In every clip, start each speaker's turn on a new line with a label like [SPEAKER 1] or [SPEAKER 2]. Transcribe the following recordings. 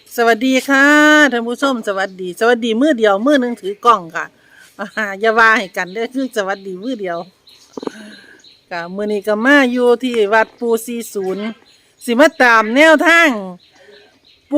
[SPEAKER 1] สวัสดีค่ะท่านผู้ชมสวัสดีมือเดียวมือหนึ่งถือกล้องค่ะอย่าว่าให้กันเด้อคือสวัสดีมือเดียวค่ะมื้อนี้ก็มาอยู่ที่วัดปู40สิมาตามแนวทางปู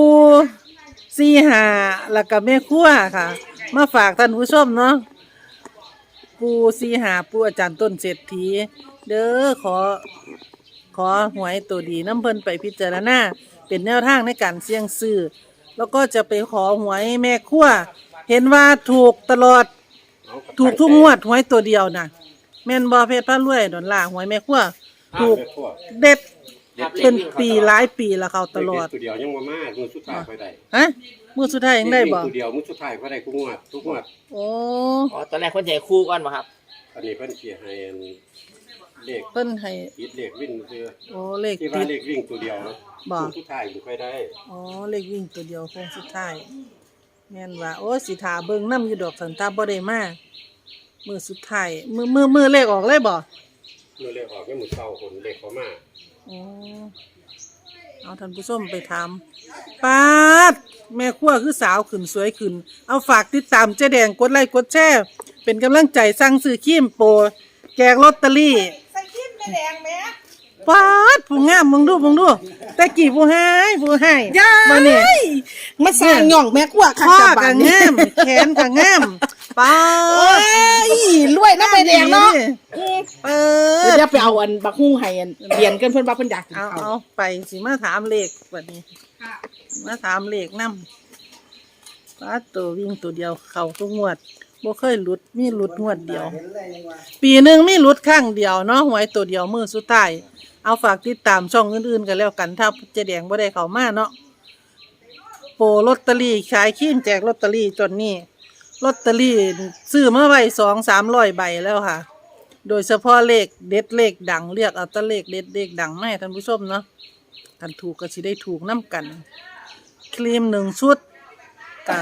[SPEAKER 1] 45แล้วก็แม่ครัวค่ะ มาฝากท่านผู้ชมเนาะปู45ปูอาจารย์ต้นเศรษฐีเด้อขอหวยตัวดีน้ำเพิ่นไปพิจารณาเป็นแนวทางในการเสี่ยงซื้อแล้วก็จะไปขอหวยแม่ครัวเห็นว่าถูกตลอดถูกทุกงวดหวยตัวเดียวน่ะแม่นบ่เพชรพระรวยดอนล่าหวยแม่ครัวถูกเด็ดเป็นปีหลายปีแล้วเขาตลอด
[SPEAKER 2] ตัวเดียวยังบ่มามือสุดท้ายค่อยได้
[SPEAKER 1] ฮะมือสุดท้ายยังได้บ่
[SPEAKER 2] ตัวเดียวมือสุดท้ายค่อยได้ทุกงวด
[SPEAKER 1] โอ้
[SPEAKER 3] ตอนแรกคนใหญ่คู่ก่อนบ่ครับ
[SPEAKER 2] อันนี้เพิ่นสิให้เลข
[SPEAKER 1] เพิ่นให้
[SPEAKER 2] ติดเลขวิ่งคือ
[SPEAKER 1] โอ้เลข
[SPEAKER 2] ที่ว่าเลขวิ่งตัวเดียว
[SPEAKER 1] บ่
[SPEAKER 2] สุดท้ายบ่ค่อยได้
[SPEAKER 1] อ๋อเลขวิ่งตัวเดียวคงสุดท้ายแม่นว่าโอ้สิท่าเบิ่งนำอยู่ดอกสันตาบ่ได้มามื้อสุดท้ายมื้อเลขออกเลยบ่
[SPEAKER 2] มื้อเลขออกยังมื้อเช้าคนเลขเข้ามา
[SPEAKER 1] อ๋อเอาท่านผู้ชมไปถามปาดแม่ครัวคือสาวขึ้นสวยขึ้นเอาฝากติดตามเจ๊แดงกดไลค์กดแชร์เป็นกำลังใจสั่งซื้อครีมโปรแจกลอตเตอรี่
[SPEAKER 4] ใส่ครีมแม่แดงแม่
[SPEAKER 1] ปาดผู้งามมึงดูแต่กี่ผู้ให้
[SPEAKER 4] มาเนี่ยมาสร้างหย่องแม่กว่า
[SPEAKER 1] ข้อก็งามแขนก็งามปา
[SPEAKER 4] ดรวยนะแม่แดงเนาะเดี๋ยวไปเอาอันบักฮู้ให้อันเรียนกันเพิ่นว่าเพิ่นอยากกินข้าว
[SPEAKER 1] เอาไปสิมาถามเลขบัดนี้มาถามเลขนำปาดตัววิ่งตัวเดียวเข้าทุกงวดบ่เคยหลุดมีหลุดงวดเดียวปีนึงมีหลุดครั้งเดียวเนาะหวยตัวเดียวมื้อสุดท้ายเอาฝากติดตามช่องอื่นๆกันแล้วกันถ้าเจ๊แดงบ่ได้เข้ามาเนาะโปรลอตเตอรี่ขายครีมแจกลอตเตอรี่จนนี้ลอตเตอรี่ซื้อมาไว้200-300 ใบแล้วค่ะโดยเฉพาะเลขเด็ดเลขดังเรียกเอาแต่เลขเด็ดเลขดังมาให้ท่านผู้ชมเนาะท่านถูกก็สิได้ถูกนำกันครีม1ชุดก็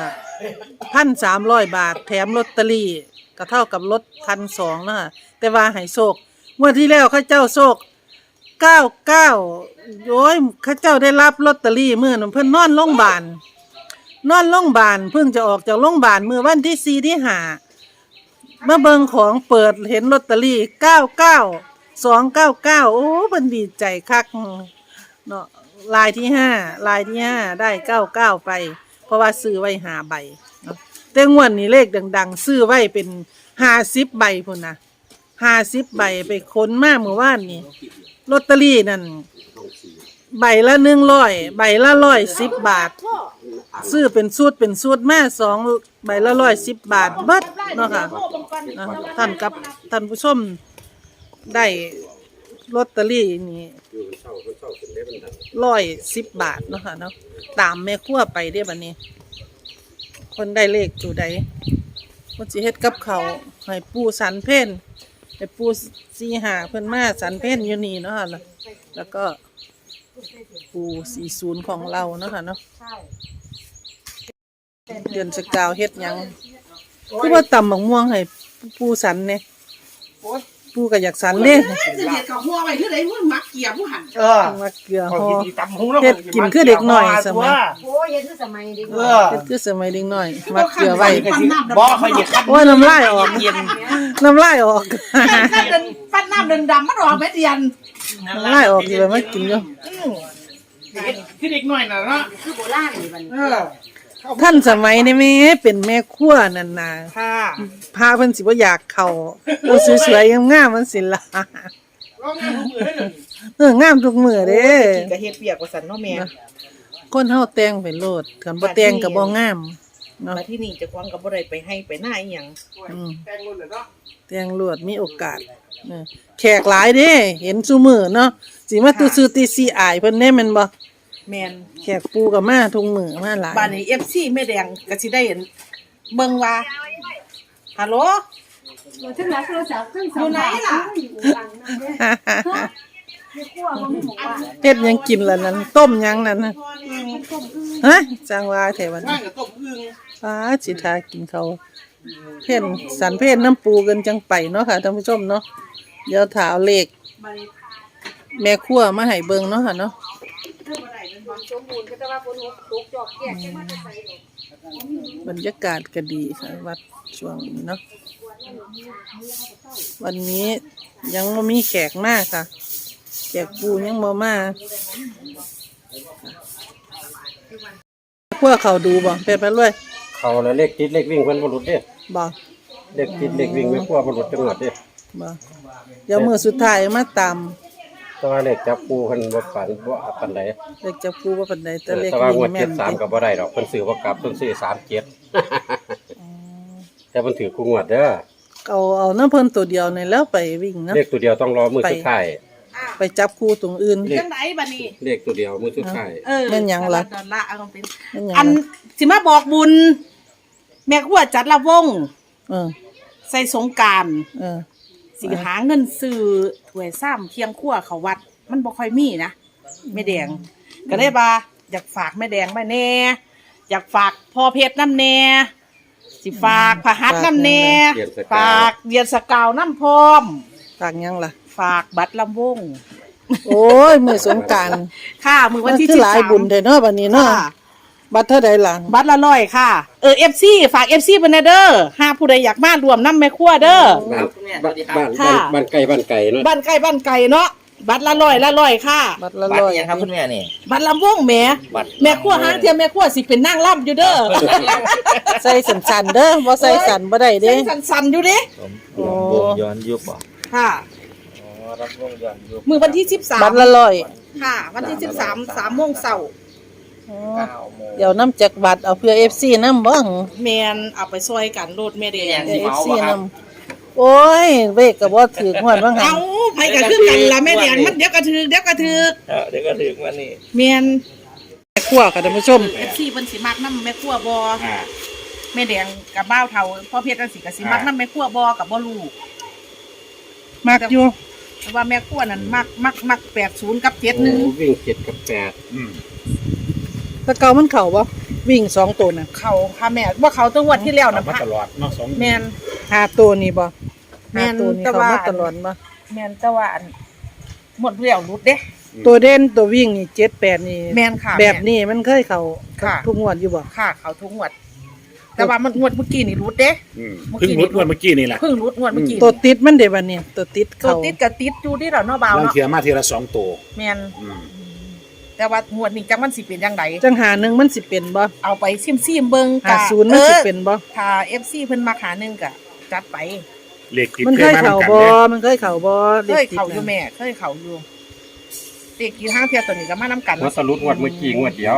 [SPEAKER 1] 1,300 บาทแถมลอตเตอรี่ก็เท่ากับลด1,200เนาะแต่ว่าให้โชคงวดที่แล้วเขาเจ้าโชค99โอ้ยเขาเจ้าได้รับลอตเตอรี่มื้อนั้นเพิ่นนอนโรงพยาบาลเพิ่งจะออกจากโรงพยาบาลมื้อวันที่4ที่5มาเบิ่งของเปิดเห็นลอตเตอรี่299โอ้เพิ่นดีใจคักเนาะลายที่5ได้99ไปเพราะว่าซื้อไว้5ใบเนาะแต่งวดนี้เลขดังๆซื้อไว้เป็น50ใบพุ่นน่ะ50ใบไปค้นมาเมื่อวานนี้ลอตเตอรี่นั่นใบละ100ใบละ110 บาทซื้อเป็นสูตรมา2ใบละ110 บาทเบิดเนาะค่ะท่านผู้ชมได้ลอตเตอรี่นี่110 บาทเนาะค่ะเนาะตามแม่ครัวไปเด้บัดนี้คนได้เลขตัวใดเพิ่นสิเฮ็ดกับข้าวให้ปู่สันเพ็ญให้ปู่45เพิ่นมาสันเพ็ญอยู่นี่เนาะค่ะแล้วก็ปู่40ของเราเนาะค่ะเนาะเดือนสกาวเฮ็ดหยังคือว่าตำบักม่วงให้ปู่สันเนี่ยปู่ก็อยากสันเด้
[SPEAKER 4] จะเฮ็ดข้าวหัวไว้คือได้มันมักเกียร์ผู้หั่น
[SPEAKER 1] มักเกลือห่อเฮ็ดกินคือเด็กน้อยสมัย
[SPEAKER 5] โอ้เฮ็ดคือสมัยเด็ก
[SPEAKER 1] เฮ็ดคือสมัยเด็กน้อยมักเกลือไว้
[SPEAKER 3] บ่ค่อยสิคัน
[SPEAKER 1] โอ้ยน้ำลายออกน้ำลายออก
[SPEAKER 4] คันฟันน้ำดำๆมันออกเม็ดเดียน
[SPEAKER 1] น้ำลายออกอยู่มากินอยู่
[SPEAKER 3] คือเด็กน้อยน่ะเนาะ
[SPEAKER 5] คือโบราณนี่บัดนี้
[SPEAKER 1] ท่านสมัยนี้แม่เป็นแม่ครัวนั่นน่ะ
[SPEAKER 4] ค่ะ
[SPEAKER 1] พาเพิ่นสิบ่อยากเข้าโอ้สวยๆงามๆมันสิล่ะงามทุกมื้อเด้
[SPEAKER 4] กินก็เฮ็ดเปียกว่าซั่นเนาะแม่
[SPEAKER 1] คนเฮาแต่งไปโลดคันบ่แต่งก็บ่งาม
[SPEAKER 4] เนาะมาที่นี่เจ้าของก็บ่ได้ไปให้ไปหน้าอีหยัง
[SPEAKER 2] แต่งรุ่นเนาะ
[SPEAKER 1] แต่งโลดมีโอกาสแขกหลายเด้เห็นซุมื้อเนาะสิมาตื้อตีซีอายเพิ่นแน่แม่นบ่
[SPEAKER 4] แม่น
[SPEAKER 1] แขกปูกับมาทุงมือมาหลาย
[SPEAKER 4] บ้านนี้ FC แม่แดงก็สิได้เห็นเบิ่งว่าฮัลโหล
[SPEAKER 5] ถึงแล้วโทรศัพท์
[SPEAKER 4] อยู่ไหนล่ะ
[SPEAKER 1] เฮ็ดยังกินล่ะนั่นต้มยังนั่นน่ะฮะจังว่าแท้วันนี้
[SPEAKER 2] ต้มอึ่ง
[SPEAKER 1] สิทากินเขาเพ่นสันเพ่นน้ำปูกันจังไปเนาะค่ะท่านผู้ชมเนาะเดี๋ยวถาเอาเลขแม่ครัวมาให้เบิ่งเนาะค่ะเนาะ
[SPEAKER 5] ความสมบูรณ์ก็แต่ว่าฝนตกจอกแก่แค่มาจะใส่ดอก
[SPEAKER 1] บรรยากาศก็ดีค่ะวัดช่วงนี้เนาะวันนี้ยังไม่มีแขกมากค่ะแขกปูยังบ่มาพวกเขาดูบ่เป็นไปเลย
[SPEAKER 2] เขาแล้วเลขติดเลขวิ่งเพิ่นบ่หลุดเด้
[SPEAKER 1] บ่
[SPEAKER 2] เลขติดเลขวิ่งไม่กลัวบ่หลุดจังหวัดเด้
[SPEAKER 1] บ่เดี๋ยวมือสุดท้ายมาตาม
[SPEAKER 2] แต่ว่าเลขจับปูเพิ่นบ่ฝันบ่ปานใด
[SPEAKER 1] เลขจับปูว่าปานใดแต่เลข
[SPEAKER 2] แต่ว่างว
[SPEAKER 1] วิ่
[SPEAKER 2] ด
[SPEAKER 1] งแม่น
[SPEAKER 2] 73ก็บ่ได้ดอกเพิ่นซื้อบ่กลับเพิ่นซื้อ37แต่เพิ่นถือคู่งวดเด้อ
[SPEAKER 1] เอาน้ำเพิ่นตัวเดียวนี่แล้วไปวิ่งเนาะ
[SPEAKER 2] เลขตัวเดียวต้องรอมื้อสุดท้าย
[SPEAKER 1] ไปจับคู่ตรงอื่น
[SPEAKER 2] เลข
[SPEAKER 4] จังไดบัดนี้
[SPEAKER 2] เลขตัวเดียวมื้อสุดท้าย
[SPEAKER 1] แม่นหยังล่ะ
[SPEAKER 4] ดอลลาร์เอาเป็น
[SPEAKER 1] แม่นหยัง
[SPEAKER 4] อัน
[SPEAKER 1] ล่ะ
[SPEAKER 4] สิมาบอกบุญ แม่ครัวจัดละวง
[SPEAKER 1] เออ
[SPEAKER 4] ใส่สงกรานต์
[SPEAKER 1] เออ
[SPEAKER 4] สิหาเงินซื้อถ้วยซ้ำเคียงครัวเขาวัด มันบ่ค่อยมีนะแม่แดง ก็เลยว่าอยากฝากแม่แดงมาแน่อยากฝากพ่อเพชรน้ำแน่สิฝากพระหัตถ์น้ำแน่ฝากเรียนสกาวน้ำพร้อม
[SPEAKER 1] ฝากหยังล่ะ
[SPEAKER 4] ฝากบัตรลำวง
[SPEAKER 1] โอ้ยมือสงกรานต์
[SPEAKER 4] ค่ะมือวันที่
[SPEAKER 1] คือหลายบุญ
[SPEAKER 4] 13
[SPEAKER 1] เด้อเนาะบัดนี้เนาะ
[SPEAKER 4] ค่ะ
[SPEAKER 1] บัตรเท่าใดล่ะ
[SPEAKER 4] บัตรละ100ค่ะFC ฝาก FC เพิ่นเด้อหาผู้ใดอยากมารวมน้ำแม่ครัวเด้อ
[SPEAKER 2] บ้านไกลเนาะ
[SPEAKER 4] บ้านใกล้บ้านไกลเนาะบัตรละ100ค่ะ
[SPEAKER 1] บัตรละ
[SPEAKER 3] บัตร
[SPEAKER 1] ร้อย
[SPEAKER 3] เนี่ยครับคุณแม่นี่
[SPEAKER 4] บัตรลำวงแหม่
[SPEAKER 3] บัตร
[SPEAKER 4] แม่ครัวหางเทียมแม่ครัวสิเป็นนางร่ำอยู่เด้อ
[SPEAKER 1] ใส่สันๆเด้อบ่ใส่สันบ่ได้เด้
[SPEAKER 4] สั่นๆอยู่เด้
[SPEAKER 3] รวมวงย้อนยุคบ่
[SPEAKER 4] ค่ะ
[SPEAKER 3] อ๋อรับวงย้อนยุค
[SPEAKER 4] มือวันที่13
[SPEAKER 1] บัตรละร้อย
[SPEAKER 4] ค่ะ วันที่13 3 โมงเช้า
[SPEAKER 1] อ๋อ
[SPEAKER 3] 9 โมง
[SPEAKER 1] เดี๋ยวน้ำจักบัตรเอาเพื่อ FC นำบ่
[SPEAKER 4] แมนเอาไปซอยกันโลดแม่แดง
[SPEAKER 1] เพื่อ FC นำโอ้ยเวกก็บ่ถือหวดว่าหั่
[SPEAKER 4] เอา
[SPEAKER 1] น
[SPEAKER 4] ไผก็คือกันล่ะแม่แดงมันเดี๋ยวก็ถึก
[SPEAKER 3] เดี๋ยวก็ถึงวันนี้
[SPEAKER 4] แมน
[SPEAKER 1] แม่ครัวค่ะท่านผู้ชม
[SPEAKER 4] FC เพิ่นสิมักนำแม่ครัวบ่แม่แดงกับบ้าวเฒ่าพ่อเพชรจังสิก็สิมักนำแม่ครัวบ่กับบ่รู้
[SPEAKER 1] มักอยู่
[SPEAKER 4] แต่ว่าแม่ครัวนั่นมัก80กับ
[SPEAKER 2] โอ้
[SPEAKER 4] 71
[SPEAKER 2] วิ่ง7กับ8
[SPEAKER 1] แตะเก่ามันเข้าบ่วิ่ง2ตัวน่ะ
[SPEAKER 4] เขาค่ะแม่ว่าเขาตัวงวดที่แล้วนะ
[SPEAKER 6] มาตลอดเนาะสอง
[SPEAKER 4] แมน
[SPEAKER 1] 5ตัวนี่บ่
[SPEAKER 4] แม่น
[SPEAKER 1] 5ตัวนี่
[SPEAKER 4] แต่
[SPEAKER 1] เข้า
[SPEAKER 4] ว่า
[SPEAKER 1] มาตลอดบ่
[SPEAKER 4] แมนแต่ว่าอันหมดเรี่ยวรุดเด้
[SPEAKER 1] ตัวเด่นตัววิ่งนี่7 8นี่
[SPEAKER 4] แมนค่ะ
[SPEAKER 1] แบบนี้มันเคยเข้า
[SPEAKER 4] ค่ะ
[SPEAKER 1] ทุกงวดอยู่บ่
[SPEAKER 4] ค่ะเขาทุกงวด แต่ว่ามันงวดเมื่อกี้นี่รุดเด้
[SPEAKER 6] เพิ่งรุดวันเมื่อกี้นี่แหละ
[SPEAKER 4] เพิ่งรุดงวดเมื่อกี้
[SPEAKER 1] ตัวติดมันเด้บัดนี้ตัวติด
[SPEAKER 4] ตัว
[SPEAKER 1] เข้า
[SPEAKER 4] ติดกับติดอยู่ที่เราเนาะเบา
[SPEAKER 6] บาง
[SPEAKER 4] เนาะ
[SPEAKER 6] เทียมาทีละ2ตัว
[SPEAKER 4] แมน
[SPEAKER 6] อืม
[SPEAKER 4] แต่ว่างวดนี้จังมันสิเป็นจังได
[SPEAKER 1] จังหาหนึงมันสิเป็นบ่
[SPEAKER 4] เอาไปซิมๆเบิ่งกะ
[SPEAKER 1] 50มันสิเป็นบ่
[SPEAKER 4] ถ้า FC เพิ่นมาหาหนึงก็จัดไป
[SPEAKER 6] เลขติด
[SPEAKER 1] มันเคยเข้า
[SPEAKER 6] กัน
[SPEAKER 1] บ่
[SPEAKER 6] เนี่ย
[SPEAKER 1] มันเคยเข้าบ่
[SPEAKER 4] เคยเข้าอยู่แม่เคยเข้าอยู่เด็กกี่ห้างเที่ยตัวนี้ก็มานํกัน
[SPEAKER 2] ว่าสรุปงวดเมื่อกี้งวดเดียว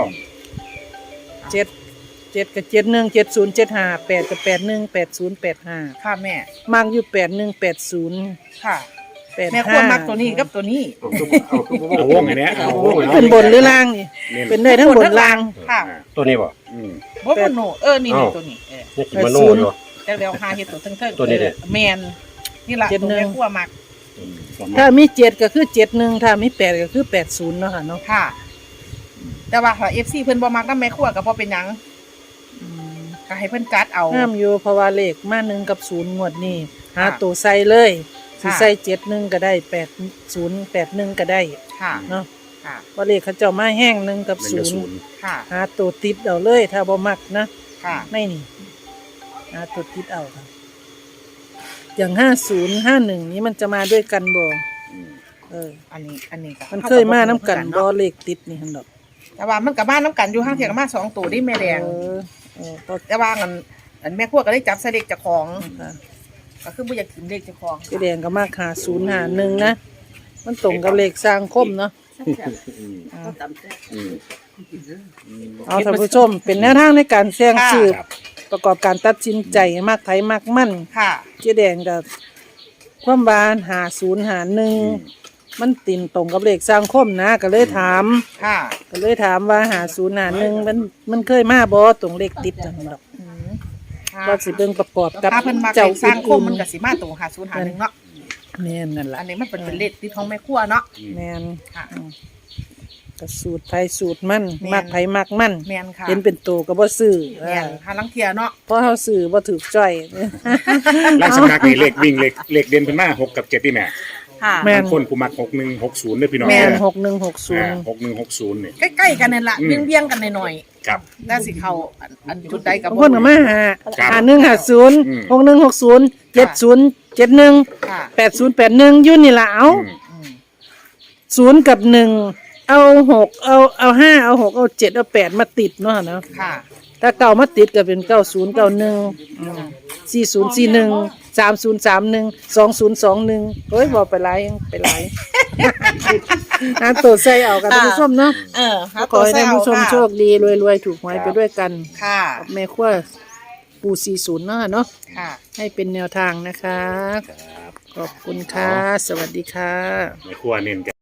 [SPEAKER 1] 7กับ71 70 75 8กับ81 80 85
[SPEAKER 4] ค่ะแม่
[SPEAKER 1] มักอยู่81 80
[SPEAKER 4] ค่ะ
[SPEAKER 1] 85
[SPEAKER 4] แม่ควรมักตัวนี้กับตัวนี้
[SPEAKER 6] เอาวงไงเนี่ยเอาวง
[SPEAKER 1] เป็นบนหรือล่างนี่ เป็นได้ทั้งบนล่าง
[SPEAKER 4] ค่ะ
[SPEAKER 2] ตัวนี้บ่
[SPEAKER 6] อืม
[SPEAKER 4] บ่เป็นโนนี่
[SPEAKER 2] อ้าว
[SPEAKER 4] ตัวนี้
[SPEAKER 2] นี่กินมโนอยู่
[SPEAKER 4] แต่เดี๋ยวหาเฮ็ดตัวเทิงๆ
[SPEAKER 2] ตัวนี้เด้
[SPEAKER 4] แม่นนี่ล่ะตัวแม่ครัวมัก
[SPEAKER 1] ถ้ามี7ก็คือ71ถ้ามี8ก็คือ80เนาะค่ะเนาะ
[SPEAKER 4] ค่ะ แต่ว่าถ้า FC เพิ่นบ่มักนำแม่ครัวก็บ่เป็นหยังก็ให้เพิ่นจัดเอา
[SPEAKER 1] ห้ามอยู่เพราะว่าเลขมา1กับ0งวดนี้หาตัวใส่เลย สิ
[SPEAKER 4] ค่ะ
[SPEAKER 1] ใส่71ก็ได้80 81ก็ได้
[SPEAKER 4] ค่ะ
[SPEAKER 1] เนาะ
[SPEAKER 4] ค่ะ
[SPEAKER 1] ว่าเลขเขาเจ้ามาแห้ง1กับ
[SPEAKER 4] ค่ะ
[SPEAKER 1] 0หาตัวติดเอาเลยถ้าบ่มักนะ
[SPEAKER 4] ค่ะ
[SPEAKER 1] ไม่นี่หาตัวติดเอาค่ะอย่าง50 51นี้มันจะมาด้วยกันบ่
[SPEAKER 4] อันนี้ก็
[SPEAKER 1] มันเคยมาน้ำกันบ่เลขติดนี่หั่นดอก
[SPEAKER 4] แต่ว่ามันก็มาน้ำกันอยู่ห้างเที่ยงก็มา2ตัวนี่แม่แดง
[SPEAKER 1] ก็
[SPEAKER 4] แต่ว่าอันแม่ครัวก็ได้จับใส่เลขเจ้าของ
[SPEAKER 1] ค่ะ
[SPEAKER 4] ก็คือบ่อยากกินเลขเจ้าของ
[SPEAKER 1] พี่แดงก็มากหา051นะมันตรงกับเลขสร้างคมเนาะ
[SPEAKER 5] เขาตำแซ่บ
[SPEAKER 1] เอาท่านผู้ชมเป็นแนวทางในการเสี่ยงสืบ
[SPEAKER 6] ครับ
[SPEAKER 1] ประกอบการตัดสินใจมากไผมากมั่น
[SPEAKER 4] ค่ะ
[SPEAKER 1] เจ๊แดงกับความบาน5051มันติ่นตรงกับเลขสร้างคมนะก็เลยถาม
[SPEAKER 4] ค่ะ
[SPEAKER 1] ก็เลยถามว่า5051มันเคยมาบ่ตรงเลขติดจังดอกว่าสิเบิ่งประกอบกับ
[SPEAKER 4] ถ้าเพิ่นมา
[SPEAKER 1] เจ้า
[SPEAKER 4] สร้างคมมัน
[SPEAKER 1] อื่
[SPEAKER 4] ก็สิมาตรง5051เนาะ
[SPEAKER 1] แม่นนั่นล่ะ
[SPEAKER 4] อันนี้มันเป็นเลขที่ของแม่ครัวเนาะ
[SPEAKER 1] แม่น
[SPEAKER 4] ค่ะ
[SPEAKER 1] ก็สูตรไผสูตรมัน
[SPEAKER 4] แม่น
[SPEAKER 1] มักไผมักมัน
[SPEAKER 4] แม่นค่ะ
[SPEAKER 1] เห็นเป็นโตก็บ่ซื้อ
[SPEAKER 4] แม่นหาลังเทียเนาะ
[SPEAKER 1] เพราะเฮาซื้อบ่ถูกจ้อย
[SPEAKER 6] ลักษณะนี่เลขวิ่งเลขเด่นเพิ่นมา6กับ7ที่แม่
[SPEAKER 4] ค่ะ
[SPEAKER 1] แม่น
[SPEAKER 6] บางคนผู้มัก6160เนี่ยพี่น้อง
[SPEAKER 1] แม่น
[SPEAKER 6] เด้อ
[SPEAKER 1] 6160
[SPEAKER 6] 6160เนี่ย
[SPEAKER 4] ใกล้ๆกันนั่นล่ะ
[SPEAKER 6] อืม
[SPEAKER 4] เบี้ยงๆกันหน่อย
[SPEAKER 6] ครับ
[SPEAKER 4] ๆน่าสิเข้าอันจุดใดก็
[SPEAKER 1] บาง
[SPEAKER 4] บ่
[SPEAKER 1] คนก็มาหา
[SPEAKER 6] ครับ
[SPEAKER 1] 5150
[SPEAKER 6] อืม
[SPEAKER 1] 6160 7071
[SPEAKER 4] ค่ะ
[SPEAKER 1] 8081อยู่นี่ล่ะเอา
[SPEAKER 6] อืม
[SPEAKER 1] 0กับ1เอา6เอา5เอา6เอา7เอา8มาติดเนาะเนาะ
[SPEAKER 4] ค่ะ
[SPEAKER 1] ถ้าเก่ามาติดก็เป็น9091 4041 3031 2021เฮ้ยบอกไปหลายไปหลายอันตัวใส่เอากันท่านผู้ชมเนาะ
[SPEAKER 4] หา
[SPEAKER 1] ขอให้ท่านผู้ชม
[SPEAKER 4] ค่ะ
[SPEAKER 1] โชคดีรวยๆถูกหวยไปด้วยกัน
[SPEAKER 4] ค่ะ
[SPEAKER 1] แม่ขั้วปู40เนาะเนาะ
[SPEAKER 4] ค่ะ
[SPEAKER 1] ให้เป็นแนวทางนะคะ ขอบคุณค่ะ สวัสดีค่ะ
[SPEAKER 6] ในครัวเน้นกัน